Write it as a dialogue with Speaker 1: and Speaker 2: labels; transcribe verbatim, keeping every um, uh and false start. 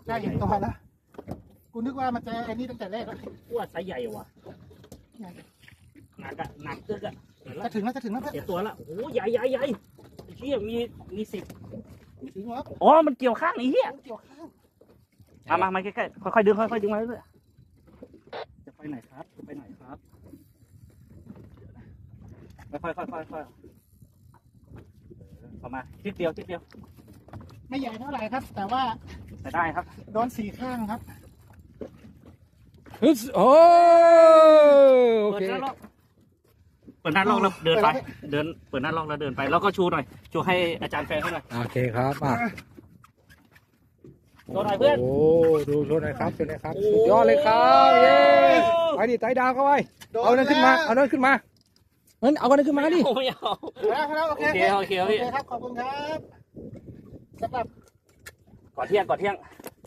Speaker 1: ได้เห็นตัวแล้วกูนึกว่ามันจะไอ้นี่ตั้งแต่แรกแล้ว
Speaker 2: ว่าไซส์ใหญ่ว่ะหนักอะหนักตึกอะ
Speaker 1: จะถึงแล้วจะถึงแล้ว
Speaker 2: เสียตัวแล้วโอ้โหใหญ่ใหญ่ใหญ่เชี่ยมีมีสิบ
Speaker 1: ถึงแล้ว
Speaker 2: อ๋อมันเกี่ยวข้างไอ้เหี้ย
Speaker 1: เกี่ยวข้าง
Speaker 2: มามามาใกล้ๆค่อยๆดึงค่อยๆดึงมาเรื่อยๆจะไปไหนครับจะไปไหนครับค่อยๆค่อยๆค่อยๆเข้ามาทิศเดียวทิศเดียว
Speaker 1: ไม่ใหญ่เท่าไหร่ครับ แต่ว่า
Speaker 2: แต่ได้ครับ
Speaker 1: โดนสี่ข้างครับ
Speaker 3: ฮึสโอ้โอ
Speaker 2: เปิด
Speaker 3: เค
Speaker 2: หน้าล็อกเปิดหน้าล็อกแล้วเดินไปเดินเปิดหน้าล็อกแล้วเดินไปแล้วก็ชูหน่อยชูให้อาจารย์แฟนให้หน่อย
Speaker 3: โอเคครับอ่ะ
Speaker 2: โชว์หน่อยเพื่อน
Speaker 3: โอ้ดูโชว์หน่อยครับโชว์หน่อยครับสุดยอดเลยครับเย้ไปดิไต่ดาวเข้าไปเอานั่นขึ้นมาเอานั่นขึ้นมาเฮ้ยเอานั่นขึ้นมาดิ
Speaker 2: ไม่เอา
Speaker 1: แล้วโอ
Speaker 2: โอ
Speaker 1: เค
Speaker 2: เคโอเค
Speaker 1: โอ
Speaker 2: พี่
Speaker 1: เคครับขอบคุณครับสำหรับ
Speaker 2: ก่อนเที่ยงก่อนเที่ยง